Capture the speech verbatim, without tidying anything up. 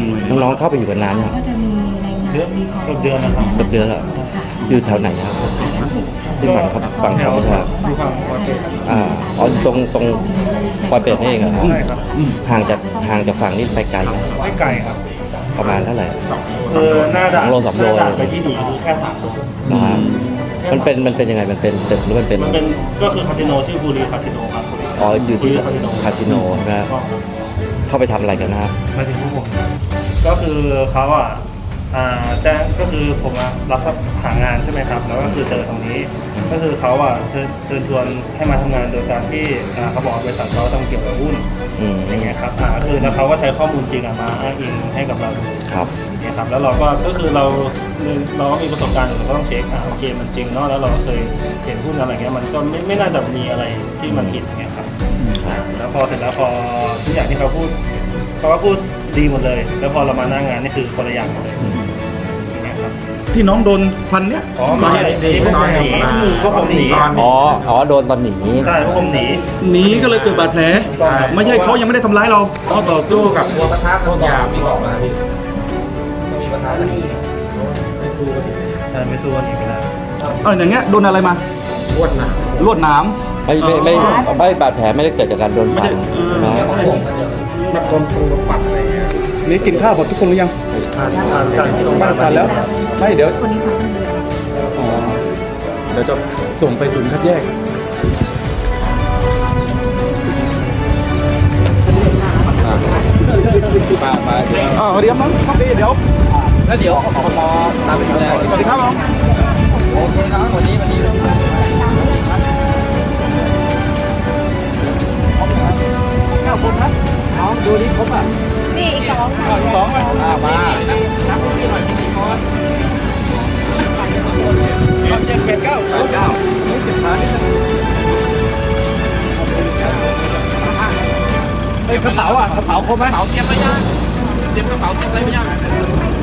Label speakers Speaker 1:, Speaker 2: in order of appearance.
Speaker 1: น้องๆเข้าไปอยู่กันนานยัง
Speaker 2: ก็จะมีรายงาน
Speaker 3: เดือน
Speaker 2: มีพอ
Speaker 3: เกือบเดือนนะครับ
Speaker 1: เกือบเดือนแล้วอยู่แถวไหนครับที่ฝั่งเขาฝั่ง
Speaker 3: แถ
Speaker 1: เขา
Speaker 3: ว
Speaker 1: ไม่ทราบ
Speaker 3: อยู่ฝั่งปอยเป็ด
Speaker 1: อ่าอ๋อตรงตรงปอยเป็ดนี่เองเหรอครับ
Speaker 3: ใช่ครับ
Speaker 1: ห่างจากห่างจากฝั่งนี้ไปไกลไหม
Speaker 3: ไม่ไกลครับ
Speaker 1: ประมาณเท่าไหร่
Speaker 3: คือหน้าด่าน
Speaker 1: สองโลสามโล
Speaker 3: หน้าด่านไปที่ดีคือแค่สามโล
Speaker 1: นะฮะมันเป็นมันเป็นยังไงมันเป็นตึกหรือมันเป็น
Speaker 3: มันเป็นก็คือคาสิโนชื่อบุรีคาสิโนครับ
Speaker 1: อ๋ออยู่ที่
Speaker 3: คาสิโน
Speaker 1: คาสิโนใช่ไหมครับเข้าไปทำอะไรกันนะฮะ
Speaker 3: มาถึงพวกผมก็คือเขาอ่ะอ่าแจ้งก็คือผมอะรับหางานใช่ไหมครับ แล้วก็คือเจอตรงนี้ ก็คือเขาอ่ะเชิญเชิญชวนให้มาทำงานโดยการที่อ่าเขาบอกว่าบริษัทเขาทำเกี่ยวกับหุ้น
Speaker 1: อืม
Speaker 3: อย่างเงี้ยครับอ่าคือแล้วเขาก็ใช้ข้อมูลจริงอะมาอ้างอิงให้กับเราดู
Speaker 1: ครับ
Speaker 3: เนี่ยครับแล้วเราก็ก็คือเราเราก็มีประสบการณ์อยู่เราก็ต้องเช็คอ่าโอเคมันจริงเนาะแล้วเราเคยเห็นหุ้นอะไรเงี้ยมันก็ไม่ไม่น่าจะมีอะไรที่มันผิดอย่างเงี้ยครับอ่าแล้วพอเสร็จแล้วพอทุกอย่างที่เขาพูดเขาก็พูดดีหมดเลย แล้วพอเรามาหน้างานนี่คือคนละอย่างหมดเลยอย่างเงี้ยครับ
Speaker 4: ที่น้องโดนฟันเนี้ย
Speaker 3: อ๋อไม่ใช่ที่พวกผมหนีพวกผมหนี
Speaker 1: อ๋ออ๋อโดนตอนหนี
Speaker 3: ใช่พวกผมหนี
Speaker 4: หนีก็เลยเกิดบาดแผล
Speaker 3: ต้องครับ
Speaker 4: ไม่ใช่เขายังไม่ได้ทำร้ายเราเขาต่อสู้กับ
Speaker 5: ตัวประทับพวกยามีออกมาพี่ก็มีประทับกันไม่สู้กัน
Speaker 3: ใช่ไม่สู้กันอีกแล้ว
Speaker 4: เอออย่างเงี้ยโดนอะไรมา
Speaker 5: รวดหนาม
Speaker 4: ลวดหนาม
Speaker 1: ไม่ไม่ไม่ไม่บาดแผลไม่ได้เกิดจากการโดนฟันใช่ไหม
Speaker 5: มันโดนปูปัดอะไรเงี้ย
Speaker 4: นี่กินข้าวหมดทุกคนหรือยัง
Speaker 3: ทานทานกันที่โรงพยาบาล
Speaker 4: ทานแล้วไม่เดี๋ยว
Speaker 2: คนนี้มาตั้งเดือน
Speaker 4: อ๋อเดี๋ยวจะส่งไปศูนย์คัดแยกอ่าสวัสดีครับน้องครับพี่เดี๋ยว
Speaker 5: แล้วเดี๋ยวขอพอตามไปดูแล
Speaker 4: สวัสดีครับน้อง
Speaker 5: โอเคครับวันนี้วันนี้
Speaker 4: เก้าคนนะ
Speaker 5: น้องดูนี่ครบอ่ะ
Speaker 2: นี่อีกสอง
Speaker 4: อ่าสองมา
Speaker 5: อ่ามา
Speaker 4: เจ็ดแปดเก้าเก้าเจ็ดขานิดนึงเฮ้ยกระเป๋าอ่ะกระเป๋าครบไหม
Speaker 5: กระเป๋าเตรียมไว้ยังเตรียมกระเป๋าเตรียมอะไรไว้ยัง